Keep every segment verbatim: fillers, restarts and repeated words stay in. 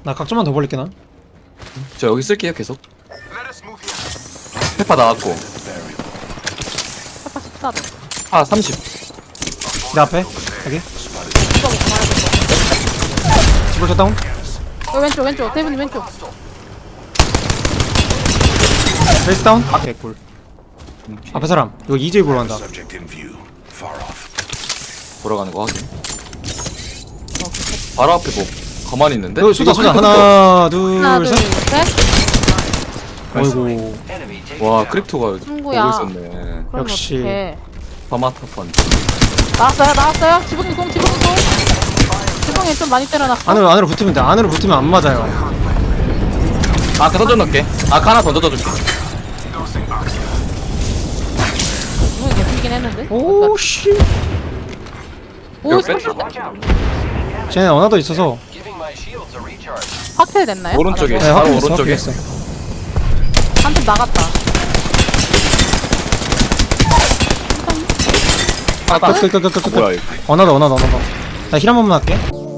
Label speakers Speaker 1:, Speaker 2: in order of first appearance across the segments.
Speaker 1: 나 각좀만 더 벌릴게 나.
Speaker 2: 저 여기 쓸게요 계속. 페파 나왔고
Speaker 3: 페파 십사도.
Speaker 2: 파 삼십.
Speaker 1: 내 앞에 여기. 집을 다운.
Speaker 3: 어, 왼쪽 왼쪽 대분이 왼쪽.
Speaker 1: 베이스 다운. 개꿀. 앞에 사람. 이거 이제이 보러 간다.
Speaker 2: 보러 가는 거 확인. 바로 앞에 뭐 가만히 있는데?
Speaker 1: 어, 쏘자 쏘자. 하나 둘
Speaker 3: 하나 둘
Speaker 1: 셋.
Speaker 3: 셋.
Speaker 1: 어이구.
Speaker 2: 와 크립토가 보고
Speaker 3: 친구야.
Speaker 2: 있었네.
Speaker 3: 그럼
Speaker 1: 역시.
Speaker 3: 어떡해.
Speaker 2: 파마타판.
Speaker 3: 나왔어요 나왔어요. 지붕이 공 지붕이 공. 지붕이 좀 많이 때려놨어.
Speaker 1: 안으로 안으로 붙으면 돼. 안으로 붙으면 안 맞아요.
Speaker 2: 아까 던져놓을게. 아까 하나 던져줄게.
Speaker 3: 지붕이 개피긴 했는데.
Speaker 1: 오 씨.
Speaker 3: 오
Speaker 2: 여기
Speaker 3: 삼십.
Speaker 1: 쟤네 어나더 있어서.
Speaker 3: 확실 됐나요?
Speaker 2: 오른쪽에.
Speaker 1: 네,
Speaker 2: 바로
Speaker 1: 확인했어.
Speaker 2: 오른쪽에.
Speaker 1: 확인했어.
Speaker 3: 한팀 나갔다.
Speaker 2: 하나 딱.
Speaker 1: 끝끝끝끝.
Speaker 2: 뭐야 이거?
Speaker 1: 어나더 어나더 어나더. 나 힐 한 번만 할게.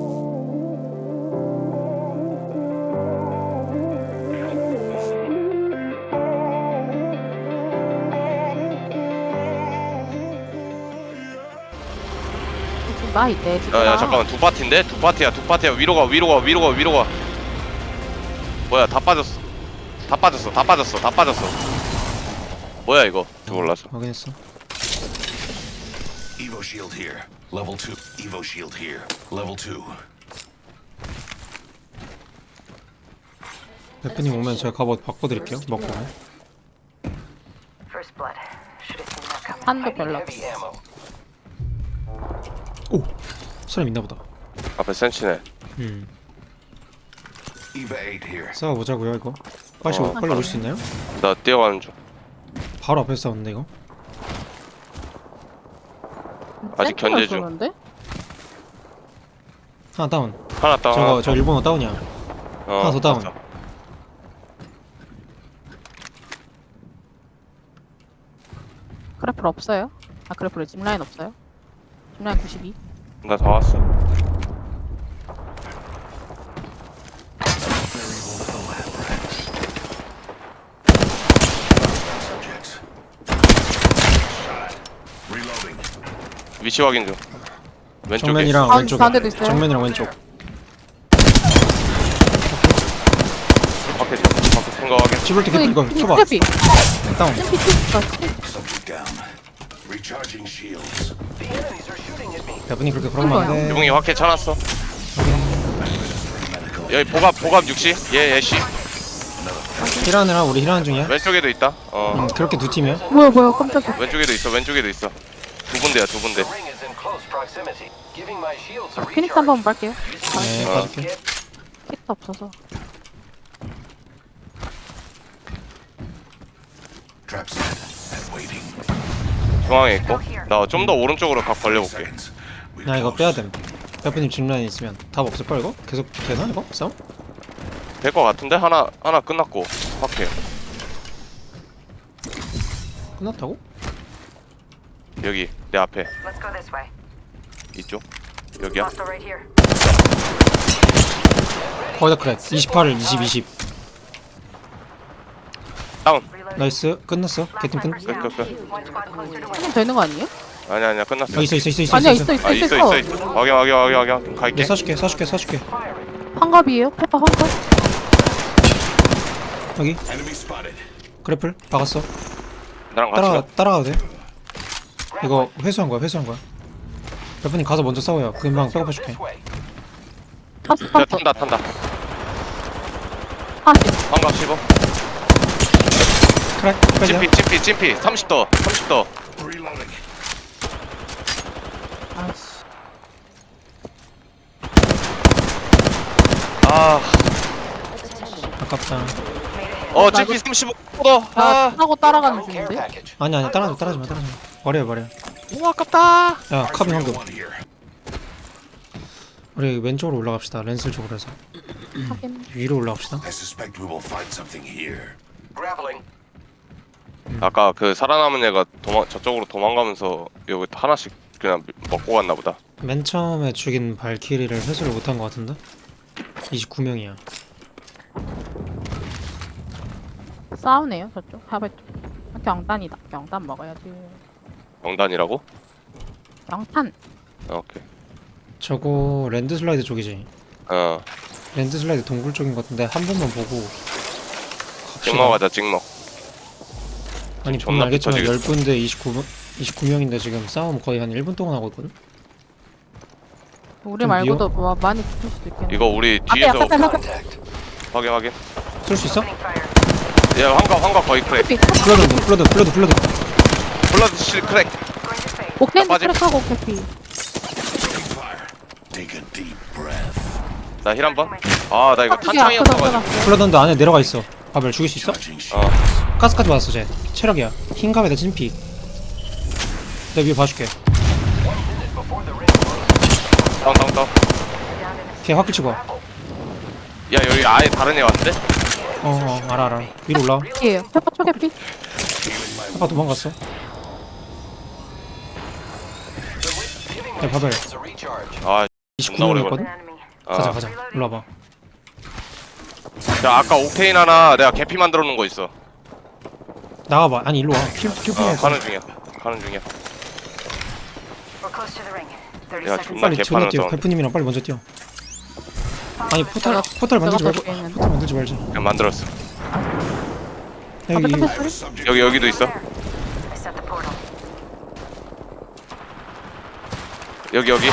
Speaker 3: 지금 나 있대. 지금.
Speaker 4: 야야 잠깐만 두 파티인데? 두 파티야 두 파티야 위로 가 위로 가 위로 가 위로 가 뭐야 다 빠졌어 다 빠졌어 다 빠졌어 다 빠졌어 뭐야 이거 저 올라서
Speaker 1: 확인했어.
Speaker 5: Evo shield here. Level two. Evo shield here. Level two.
Speaker 1: 대표님 오면 제가 갑옷 바꿔드릴게요. 먹고.
Speaker 3: 한도 별로 없어.
Speaker 1: 오 사람 있나 보다.
Speaker 4: 앞에 센치네
Speaker 1: 음
Speaker 5: Eva eight here.
Speaker 1: 싸워보자고요 이거. 빨리
Speaker 4: 어.
Speaker 1: 빨리 올 수 있나요?
Speaker 4: 나 뛰어가는 중
Speaker 1: 바로 앞에서 싸웠는데 이거.
Speaker 4: 아직
Speaker 3: 센터가
Speaker 4: 견제 중.
Speaker 3: 쏘는데?
Speaker 1: 하나 다운.
Speaker 4: 하나 다운
Speaker 1: 저거
Speaker 4: 하나
Speaker 1: 저 일본어 다운이야.
Speaker 4: 어,
Speaker 1: 하나 더 다운.
Speaker 4: 맞아.
Speaker 3: 그래플 없어요? 아 그래플에 짚라인 없어요? 짚라인 구십이.
Speaker 4: 나 다 왔어
Speaker 5: Subjects. Reloading.
Speaker 4: 위치 확인 중 왼쪽에
Speaker 1: 정면이랑
Speaker 3: 아,
Speaker 1: 왼쪽.
Speaker 3: 가운데도 있어요?
Speaker 1: 정면이랑 왼쪽.
Speaker 4: 밖에 밖에 생각하게
Speaker 1: 집을 때 이거 쳐봐.
Speaker 3: 트래피.
Speaker 1: 다운.
Speaker 3: 트래피 트래피.
Speaker 5: Subject down. Recharging shields.
Speaker 1: 대표님 그렇게 그러면 안 돼.
Speaker 4: 유붕이 확해 쳐놨어 여기 보갑 보갑 육시 얘 얘씨
Speaker 1: 힐하느라 우리 힐하는 중이야.
Speaker 4: 왼쪽에도 있다 어
Speaker 1: 음 그렇게 두 팀이야.
Speaker 3: 뭐야 뭐야 깜짝이야.
Speaker 4: 왼쪽에도 있어 왼쪽에도 있어 두 군데야 두 군데
Speaker 3: 아, 피닉스 한번 빨게요.
Speaker 1: 네
Speaker 4: 어.
Speaker 1: 봐줄게.
Speaker 3: 키트 없어서.
Speaker 5: Trap set and waiting.
Speaker 4: 중앙에 있고 나 좀 더 오른쪽으로 각 벌려볼게
Speaker 5: Seconds. We
Speaker 1: 나 이거 빼야 됨. 대표님 짚라인 있으면 답 없을 걸 이거? 계속 되나 이거? 싸움?
Speaker 4: 될 것 같은데 하나 하나 끝났고 확해
Speaker 1: 끝났다고?
Speaker 4: 여기 내 앞에
Speaker 6: Let's go this way.
Speaker 4: 이쪽 여기야
Speaker 6: Hostile right here.
Speaker 1: 거의 다 그래. 이십팔, 이십, 이십.
Speaker 4: 다운
Speaker 6: Reloading.
Speaker 1: 나이스. 끝났어. 개팀 끝.
Speaker 6: Snipers down.
Speaker 4: 끝, 끝, 끝.
Speaker 6: One squad closer to
Speaker 3: 한팀 더 있는 거 아니에요?
Speaker 4: 아니야 아니야 끝났어
Speaker 1: 어 있어 있어 있어 있어.
Speaker 3: 아니야 있어 있어
Speaker 4: 아
Speaker 3: 있어
Speaker 4: 있어 있어 있어 확인 확인 확인 확인 갈게
Speaker 1: 네 사줄게 사줄게 사줄게.
Speaker 3: 환갑이에요? 페파 환갑?
Speaker 1: 여기
Speaker 5: enemy spotted.
Speaker 1: 그래플 박았어.
Speaker 4: 나랑 같이
Speaker 1: 따라
Speaker 4: 가
Speaker 1: 따라가도 돼. 이거 회수한 거야 회수한 거야. 대표님 가서 먼저 싸워요. 금방 백업해줄게.
Speaker 3: 파스
Speaker 4: 야,
Speaker 3: 파스.
Speaker 4: 탄다 탄다
Speaker 3: 파스.
Speaker 4: 반갑 씹어
Speaker 1: 크랙. 크랙이야.
Speaker 4: 찜피 찜피 찜피 삼십 더 삼십 더
Speaker 5: Reloading.
Speaker 3: 아이씨.
Speaker 4: 아,
Speaker 1: 아깝다.
Speaker 4: 어 찜피 삼십오 더
Speaker 3: 나
Speaker 4: 아,
Speaker 3: 타고 따라가는 중인데?
Speaker 1: 아니 아니 따라하지 따라하지 마 따라하지 마. 버려 버려.
Speaker 4: 너무 아깝다
Speaker 1: 야 카빈 황금.
Speaker 5: One here.
Speaker 1: 우리 왼쪽으로 올라갑시다. 렌슬 쪽으로 해서
Speaker 3: 하긴.
Speaker 1: 위로 올라갑시다.
Speaker 5: I suspect we will find something here.
Speaker 4: 아까 그 살아남은 애가 도망 저쪽으로 도망가면서 여기 하나씩 그냥 먹고 갔나 보다
Speaker 1: 맨 처음에 죽인 발키리를 회수를 못한 것 같은데? 이십구 명이야.
Speaker 3: 싸우네요 저쪽 하베 쪽. 아, 경단이다. 경단 먹어야지.
Speaker 4: 명단이라고?
Speaker 3: 경탄.
Speaker 4: 어, 오케이.
Speaker 1: 저거 랜드 슬라이드 쪽이지.
Speaker 4: 어,
Speaker 1: 랜드 슬라이드 동굴 쪽인 것 같은데 한 번만 보고
Speaker 4: 찍먹 하자, 찍먹.
Speaker 1: 아니
Speaker 4: 존나
Speaker 1: 보면 알겠지만
Speaker 4: 붙어지겠어.
Speaker 1: 열 분 대 이십구 분 이십구 명인데 지금 싸움 거의 한 일 분 동안 하고 있거든?
Speaker 3: 우리
Speaker 1: 좀
Speaker 3: 말고도 뭐 많이 붙을 수도 있겠네.
Speaker 4: 이거 우리
Speaker 3: 앞에
Speaker 4: 뒤에서
Speaker 3: 앞에 앞에
Speaker 4: 확인, 확인.
Speaker 1: 쏠 수 있어?
Speaker 4: 야, 환각, 환각 거의 크랙.
Speaker 3: 앞에.
Speaker 1: 플러드 플러드 플러드 플러드
Speaker 4: 블러드 실 크랙.
Speaker 3: 옥테인
Speaker 4: 빠짐.
Speaker 3: 트랙하고 캐피.
Speaker 5: Fire. Take a deep breath.
Speaker 4: 나 힐 한 번. 아, 나 이거
Speaker 3: 그게 앞에서
Speaker 4: 탄창이었어가지고.
Speaker 3: 들어갔어.
Speaker 1: 플러드인데 안에 내려가 있어. 바벨 죽일 수 있어?
Speaker 5: Charging
Speaker 4: 어,
Speaker 5: shields.
Speaker 1: 가스까지 받았어 쟤. 체력이야. 흰갑에다 진피. 내가 위에 봐줄게.
Speaker 4: 다운, 다운, 다운.
Speaker 1: 걔 확 끼치고 와.
Speaker 4: 야, 여기 아예 다른 애 왔는데?
Speaker 1: 어어 알아 알아. 위로 올라와.
Speaker 3: 예. 페퍼 초캐피.
Speaker 1: 아까 도망갔어. 야 바벨
Speaker 4: 아,
Speaker 1: 이십구
Speaker 4: 존나 오래
Speaker 1: 명이었거든?
Speaker 4: 아.
Speaker 1: 가자 가자. 올라와봐.
Speaker 4: 야, 아까 옥테인 하나 내가 개피 만들어 놓은 거 있어.
Speaker 1: 나가봐. 아니 일로 와. 킬, 킬
Speaker 4: 어,
Speaker 1: 뿐이야.
Speaker 4: 가는 중이야. 가는 중이야.
Speaker 6: We're close to the ring. thirty
Speaker 4: 야,
Speaker 6: seconds.
Speaker 4: 존나
Speaker 1: 빨리 존나
Speaker 4: 개판을
Speaker 1: 뛰어.
Speaker 4: 써.
Speaker 1: 베프님이랑 빨리 먼저 뛰어. 아니 포탈
Speaker 3: 제가-
Speaker 1: 포탈 만들지
Speaker 3: 제가
Speaker 1: 말고
Speaker 3: 더 뒤에
Speaker 1: 포탈 만들지 말자.
Speaker 4: 그냥 만들었어.
Speaker 1: 여기
Speaker 3: 앞에 탑 소리?
Speaker 4: 여기, 여기도 있어.
Speaker 6: I set the portal.
Speaker 4: 여기, 여기.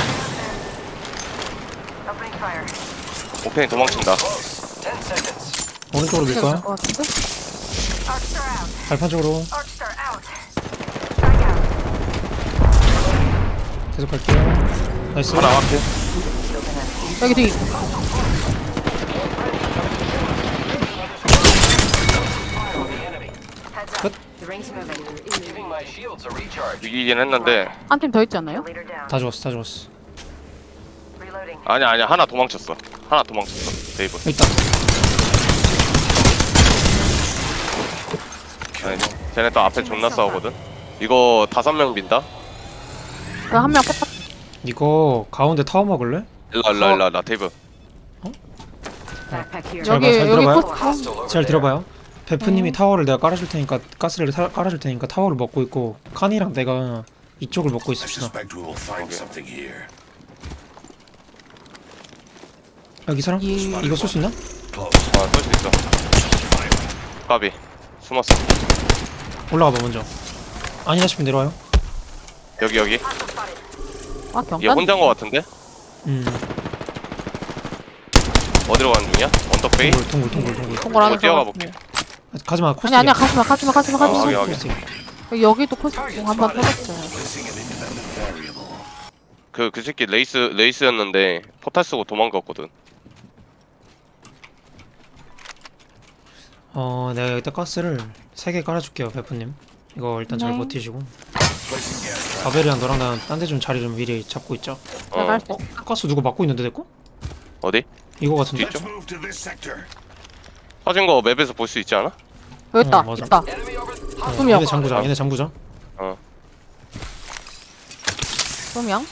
Speaker 6: Opening fire.
Speaker 4: 옥테인 도망친다.
Speaker 1: 오른쪽으로 밀 거야.
Speaker 3: 것 같은데?
Speaker 6: Arcstar out.
Speaker 1: 발판 쪽으로
Speaker 6: Arcstar out. Strike out.
Speaker 1: 계속 갈게요. 나이스.
Speaker 4: 하나 앞에.
Speaker 3: 여기 뒤.
Speaker 6: Heads up. The ring's moving.
Speaker 4: 이기긴 했는데.
Speaker 3: 한 팀 더 있지 않나요?
Speaker 6: Leader down.
Speaker 1: 다 죽었어 다 죽었어.
Speaker 6: Reloading.
Speaker 4: 아니야, 아니야. 하나 도망쳤어. 하나 도망쳤어. 데이브.
Speaker 1: 여기 있다.
Speaker 4: 아니, 쟤네 또 앞에 존나 싸우거든. 이거 다섯 명 빈다.
Speaker 3: 그 한 명 페퍼.
Speaker 1: 이거 가운데 타워 먹을래?
Speaker 4: 일로, 일로, 일로, 나 데이브.
Speaker 6: Backpack here.
Speaker 1: 잘
Speaker 3: 여기
Speaker 1: 봐, 잘
Speaker 3: 여기
Speaker 1: 들어봐요.
Speaker 3: 포스트.
Speaker 1: 잘 들어봐요. 베프님이
Speaker 3: 네.
Speaker 1: 타워를 내가 깔아줄 테니까 가스를 타, 깔아줄 테니까 타워를 먹고 있고 칸이랑 내가 이쪽을 먹고
Speaker 5: I
Speaker 1: 있읍시다.
Speaker 5: suspect we will find something here.
Speaker 1: 여기 사람?
Speaker 3: 예.
Speaker 1: 이거 쏠 수 있나?
Speaker 5: Close.
Speaker 4: 아, 쏠 수 있어. 까비. 숨었어.
Speaker 1: 올라가봐 먼저. 아니다 싶으면 내려와요.
Speaker 4: 여기, 여기.
Speaker 3: 아
Speaker 4: 얘
Speaker 3: 경단.
Speaker 4: 혼자인 거 같은데?
Speaker 1: 음.
Speaker 4: 어디로 가는 중이야? 언덕베이?
Speaker 1: 동굴 동굴 동굴 동굴.
Speaker 3: 동굴 안에
Speaker 4: 어, 뛰어가
Speaker 3: 들어갔네.
Speaker 1: 가지마 코스.
Speaker 3: 아니 아니야 가지마 가지마 가지마
Speaker 4: 아,
Speaker 3: 가지마.
Speaker 4: 여기, 여기.
Speaker 1: 코스.
Speaker 3: 여기 여기도 코스 한번 터졌어요.
Speaker 5: Placing an independent variable.
Speaker 4: 그, 그 새끼 레이스, 레이스였는데 포탈 쓰고 도망갔거든.
Speaker 1: 어 내가 여기다 가스를 세 개 깔아줄게요 베프님. 이거 일단 잘
Speaker 3: 네.
Speaker 1: 버티시고. 바벨이랑 너랑 나는 딴 데 좀 자리 좀 미리 잡고 있죠.
Speaker 3: 제가
Speaker 4: 어,
Speaker 3: 할 수.
Speaker 1: 어? 가스 누구 막고 있는데 내거?
Speaker 4: 어디?
Speaker 1: 이거 같은데?
Speaker 4: 뒤쪽?
Speaker 5: Let's move to this sector.
Speaker 4: 터진 거 맵에서 볼 수 있지 않아?
Speaker 3: 여기 있다
Speaker 1: 어, 맞아.
Speaker 3: 있다.
Speaker 1: 어,
Speaker 3: 두 명.
Speaker 1: 얘네 잠구자 얘네 잠구자.
Speaker 4: 어.
Speaker 3: 두 명.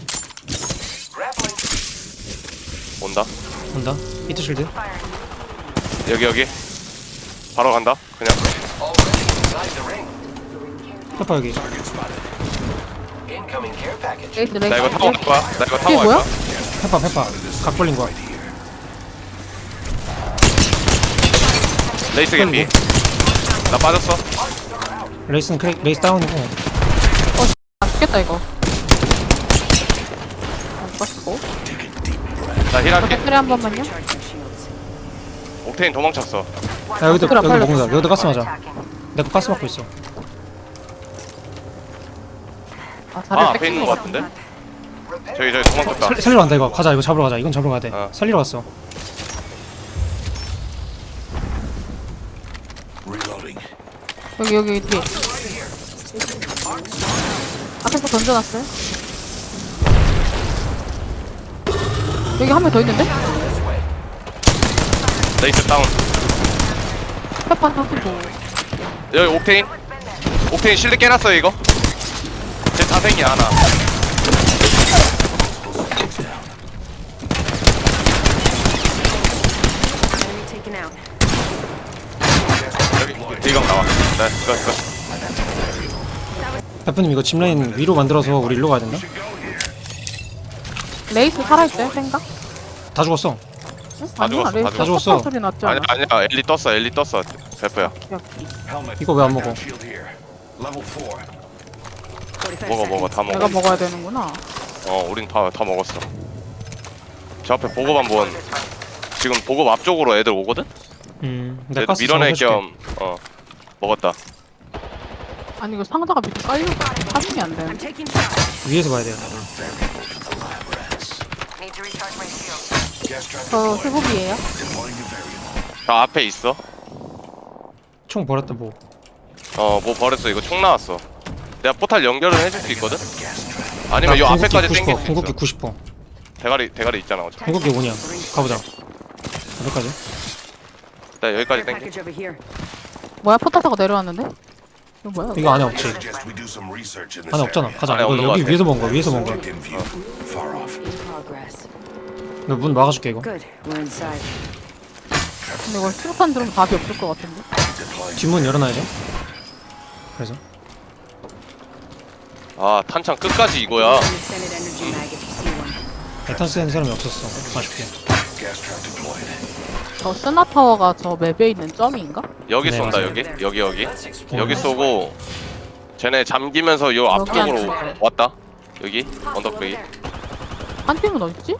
Speaker 4: 온다.
Speaker 1: 온다. 히트 실드.
Speaker 4: 여기, 여기. 바로 간다. 그냥.
Speaker 1: 페퍼 여기.
Speaker 3: 레이스 레이스.
Speaker 4: 나 이거 타고 갈 거야. 나 이거 타고
Speaker 3: 이게
Speaker 4: 갈
Speaker 3: 뭐야?
Speaker 4: 거야.
Speaker 1: 페퍼 페퍼. 각 벌린 거야.
Speaker 4: 레이스 개피. 나 빠졌어.
Speaker 1: 레이스는 크레 레이스 다운이고.
Speaker 3: 안 죽겠다 이거. 안 껐고.
Speaker 4: 나 힐할게.
Speaker 3: 배터리 한 번만요.
Speaker 6: Charging shields.
Speaker 4: 옥테인 도망쳤어.
Speaker 1: 야 여기도
Speaker 3: 그래,
Speaker 1: 여기
Speaker 3: 빨리.
Speaker 1: 먹는다. 여기도 가스 맞아.
Speaker 6: Attacking.
Speaker 1: 내거 가스 맞고 있어.
Speaker 3: 아
Speaker 4: 아,
Speaker 3: 다리를
Speaker 4: 앞에 있는 거
Speaker 3: 뺏긴
Speaker 4: 같은데? 저기, 저기 도망쳤다.
Speaker 1: 살, 살리러 간다 이거. 가자 이거 잡으러 가자. 이건 잡으러 가야 돼.
Speaker 4: 어.
Speaker 1: 살리러 갔어.
Speaker 5: Reloading.
Speaker 3: 여기 여기 뒤에. 앞에서 던져놨어요. 여기 한 명 더 있는데?
Speaker 4: 레이스 다운.
Speaker 3: 페퍼 터지고.
Speaker 4: 여기 옥테인. 옥테인 실드 깨놨어 이거. 제 자생이야 하나.
Speaker 6: Enemy taken out.
Speaker 4: 여기 네, 이거 이거.
Speaker 1: 대표님 이거 짚라인 위로 만들어서 우리 일로 가야 된다.
Speaker 3: 레이스 살아있어요 생각?
Speaker 1: 다 죽었어.
Speaker 3: 응?
Speaker 4: 다
Speaker 3: 아니야,
Speaker 4: 죽었어,
Speaker 3: 레이스
Speaker 4: 다
Speaker 1: 죽었어.
Speaker 3: 톡톡 소리 났지 않아?
Speaker 4: 아니야 아니야 엘리 떴어 엘리 떴어 대표야.
Speaker 5: Helmet.
Speaker 1: 이거 왜 안 먹어?
Speaker 5: Shield here. Level four.
Speaker 6: forty-five
Speaker 4: 먹어 먹어
Speaker 6: seconds.
Speaker 4: 다
Speaker 3: 내가
Speaker 4: 먹어.
Speaker 3: 먹어야 되는구나.
Speaker 4: 어 우린 다 다 먹었어. 저 앞에 보급 한번 지금 보급 앞쪽으로 애들 오거든?
Speaker 1: 음, 내가
Speaker 4: 애들
Speaker 1: 가스
Speaker 4: 밀어낼
Speaker 1: 작업해줄게.
Speaker 4: 겸 어 먹었다.
Speaker 3: 아니 이거 상자가 밑에 깔려 파밍이 안
Speaker 6: I'm
Speaker 3: 되는데.
Speaker 6: taking shots.
Speaker 1: 위에서 봐야 돼요.
Speaker 6: Need to recharge my shield.
Speaker 5: Gas trap
Speaker 3: 저
Speaker 5: deployed.
Speaker 3: 수급이에요.
Speaker 5: Deploying a variable.
Speaker 4: 저 앞에 있어.
Speaker 1: 총 버렸다 뭐.
Speaker 4: 어 뭐 버렸어 이거 총 나왔어. 내가 포탈 연결을 해줄 수 있거든?
Speaker 5: Gas trap.
Speaker 4: 아니면 요
Speaker 1: 나
Speaker 4: 앞에까지
Speaker 1: 궁극기
Speaker 4: 땡길
Speaker 1: 구십 퍼센트,
Speaker 4: 수
Speaker 1: 궁극기
Speaker 4: 있어.
Speaker 1: 구십 퍼센트.
Speaker 4: 대가리 대가리 있잖아 어차피.
Speaker 1: 궁극기 오냐. 가보자. 여기까지.
Speaker 4: 나 여기까지
Speaker 6: Care
Speaker 4: 땡겨.
Speaker 6: package over here.
Speaker 3: 뭐야 포탈 타고 내려왔는데? 이거 뭐야?
Speaker 1: 이거 안에 없지.
Speaker 5: Suggest we do some research in this
Speaker 1: 안에 없잖아.
Speaker 5: area.
Speaker 1: 가자.
Speaker 4: 안에
Speaker 1: 이거
Speaker 4: 없는 거
Speaker 1: 여기
Speaker 4: 같아.
Speaker 1: 위에서 먹은 거야. 위에서 먹은 거야.
Speaker 5: Subject in view. Far off.
Speaker 6: In progress.
Speaker 1: 너 문 막아줄게 이거.
Speaker 6: Good. We're inside.
Speaker 3: 근데 이거 수류탄 들으면 답이 없을 것 같은데.
Speaker 5: Deploying.
Speaker 1: 뒷문 열어놔야죠. 그래서
Speaker 4: 아 탄창 끝까지 이거야.
Speaker 6: An extended energy mag if you see one.
Speaker 1: 에탄 쓰는 사람이 없었어. 아쉽게.
Speaker 5: Gas trap deployed.
Speaker 3: 저 스나 타워가 저 맵에 있는 점인가?
Speaker 4: 여기
Speaker 1: 네,
Speaker 4: 쏜다
Speaker 1: 맞아요.
Speaker 4: 여기 여기 여기 여기 쏘고 쟤네 잠기면서 요 앞쪽으로
Speaker 3: 여기
Speaker 4: 왔다. 여기 언덕배기.
Speaker 3: 한 팀은 어딨지?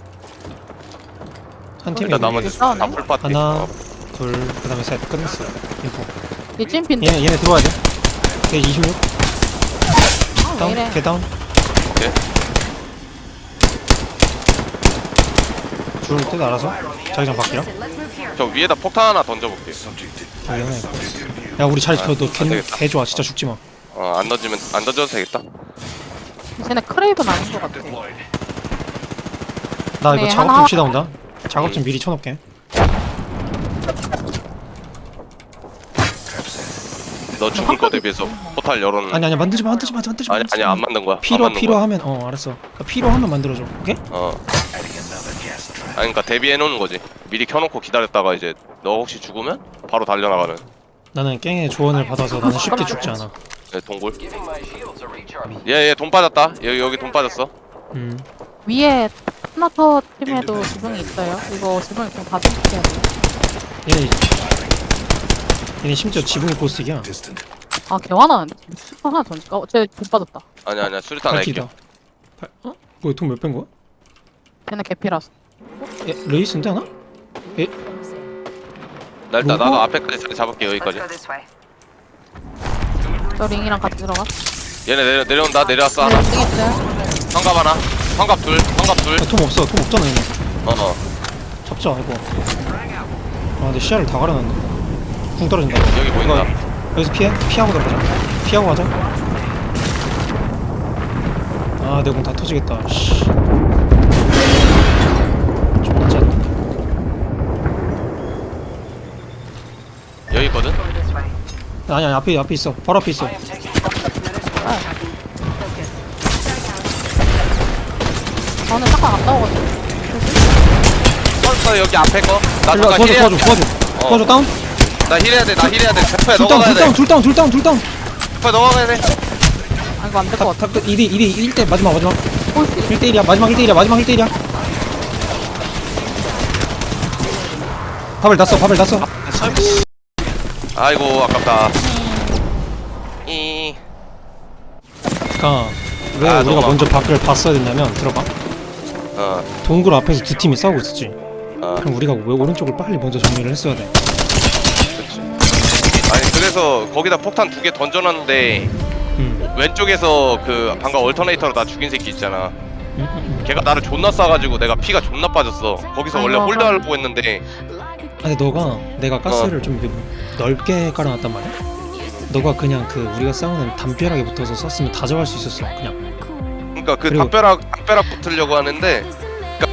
Speaker 1: 한 팀이
Speaker 4: 일단 나머지
Speaker 3: 싸우네.
Speaker 4: 다 풀파티.
Speaker 1: 하나,
Speaker 4: 어.
Speaker 1: 둘, 그다음에 셋 끝났어. 이거.
Speaker 3: 이 찐핀데.
Speaker 1: 얘네 얘네 들어와야 돼. 걔 이십육.
Speaker 3: 아, 왜
Speaker 1: 다운.
Speaker 3: 이래?
Speaker 1: 걔 다운.
Speaker 4: 오케이.
Speaker 1: 줄을 듯 알아서. 자기장 바뀌라.
Speaker 6: Listen, let's move here.
Speaker 4: 저 위에다 폭탄 하나 던져볼게.
Speaker 5: Subject in-
Speaker 1: 저기 하나 있고.
Speaker 5: subject in view.
Speaker 1: 야 우리 자리
Speaker 4: 아,
Speaker 1: 펴. 너
Speaker 4: 안
Speaker 1: 개,
Speaker 4: 되겠다.
Speaker 1: 개 좋아. 진짜 죽지 마.
Speaker 4: 어안 던지면 안 던져도 되겠다.
Speaker 3: 쟤네 크레이븐 아닌 것 같아.
Speaker 5: Deployed.
Speaker 1: 나 이거
Speaker 3: 네,
Speaker 1: 작업
Speaker 3: 하나
Speaker 1: 좀 쉬다 온다. 작업 좀 미리 쳐놓게.
Speaker 5: Trap set.
Speaker 4: 너 죽을 거 대비해서 포탈 열어놓는.
Speaker 1: 아니 아니 만들지 마 만들지 마 만들지 마.
Speaker 4: 아니 아니 안 만든 거야. 안
Speaker 1: 필요
Speaker 4: 만든 거야.
Speaker 1: 필요하면 어 알았어. 필요하면 만들어줘. 오케이?
Speaker 4: 어.
Speaker 5: Adding another gas trap.
Speaker 4: 아니 그러니까 대비해 놓는 거지. 미리 켜놓고 기다렸다가 이제 너 혹시 죽으면 바로 달려나가는.
Speaker 1: 나는 깽의 조언을 받아서 나는 쉽게 죽지 않아.
Speaker 4: 네, 동굴. 얘얘 돈 빠졌다. 여기 여기 돈 빠졌어.
Speaker 1: 음.
Speaker 3: 위에 스나 타워 팀에도 지붕이 있어요. 이거 지붕이 좀 가져올게요.
Speaker 1: 얘네 얘네 심지어 지붕이 고스틱이야.
Speaker 5: Distant.
Speaker 3: 아 개화나는데? 슈퍼 하나 던질까? 어, 쟤돈 빠졌다.
Speaker 4: 아니 아니야 수류탄
Speaker 1: 발키다.
Speaker 4: 날게.
Speaker 1: 발, 어? 뭐야 돈 몇 뺀 거야?
Speaker 3: 쟤네 개피라서.
Speaker 1: 에, 레이스인데 하나? 에?
Speaker 4: 나 일단
Speaker 1: 뭐가?
Speaker 4: 나도 앞에까지 자리 잡을게
Speaker 6: Let's
Speaker 4: 여기까지.
Speaker 6: go this way.
Speaker 3: 저 링이랑 같이 들어가.
Speaker 4: 얘네 내려 내려온다 내려왔어 하나.
Speaker 3: 네, 링 있어요.
Speaker 4: 성갑 하나. 성갑 둘. 성갑 둘.
Speaker 1: 야, 통 없어. 통 없잖아 얘네.
Speaker 4: 어 어.
Speaker 1: 잡자 이거. 아 근데 시야를 다 가려놨네. 궁 떨어진다.
Speaker 4: 여기 보인다.
Speaker 1: 여기서 피해? 피하고 들어가자. 피하고 가자. 아, 내 공 다 터지겠다. 씨. 존나 짠.
Speaker 4: 여기 있거든.
Speaker 6: Go this way.
Speaker 1: 아니 아니 앞에 앞에 있어. 바로 앞에 있어.
Speaker 6: Another squad tracking. Focus.
Speaker 3: 저는 잠깐 갔다 오거든요.
Speaker 4: 펄스 여기 앞에 거. 나
Speaker 1: 일로 와,
Speaker 4: 잠깐
Speaker 1: 도와줘
Speaker 4: 힐해야
Speaker 1: 도와줘
Speaker 4: 돼.
Speaker 1: 도와줘.
Speaker 4: 어.
Speaker 1: 도와줘 다운.
Speaker 4: 나 힐해야 돼. 나 힐해야 돼. 대포에
Speaker 1: 둘 다운
Speaker 4: 넘어가야
Speaker 1: 둘 다운
Speaker 4: 돼.
Speaker 1: 둘 다운 둘 다운 둘 다운.
Speaker 4: 대포에 넘어가야 돼.
Speaker 3: 아 이거 안 될 것 같아.
Speaker 1: 다 이 대 이 대 일 대 마지막 마지막.
Speaker 3: 홀수.
Speaker 1: 일 대 일이야. 마지막 일 대 일이야. 마지막 일 대 일이야. 밥을 났어. 밥을 났어.
Speaker 4: 아이고 아깝다. 이.
Speaker 1: 그러니까 왜
Speaker 4: 아,
Speaker 1: 우리가
Speaker 4: 너무
Speaker 1: 먼저 밖을 봤어야 됐냐면 들어봐.
Speaker 4: 어.
Speaker 1: 동굴 앞에서 두 팀이 싸우고 있었지.
Speaker 4: 어.
Speaker 1: 그럼 우리가 왜 오른쪽을 빨리 먼저 정리를 했어야 돼.
Speaker 4: 그렇지. 아니 그래서 거기다 폭탄 두 개 던져놨는데
Speaker 1: 음.
Speaker 4: 왼쪽에서 그 방금 얼터네이터로 나 죽인 새끼 있잖아.
Speaker 1: 음, 음, 음.
Speaker 4: 걔가 나를 존나 쏴가지고 내가 피가 존나 빠졌어. 거기서 원래
Speaker 3: 아이고,
Speaker 4: 홀드하려고 했는데
Speaker 1: 아니 너가 내가 가스를 좀 이렇게 넓게 깔아놨단 말이야. 너가 그냥 그 우리가 싸우는 담벼락에 붙어서 쐈으면 다 잡을 수 있었어. 그냥.
Speaker 4: 그러니까 그
Speaker 1: 그리고-
Speaker 4: 담벼락 담벼락 붙으려고 하는데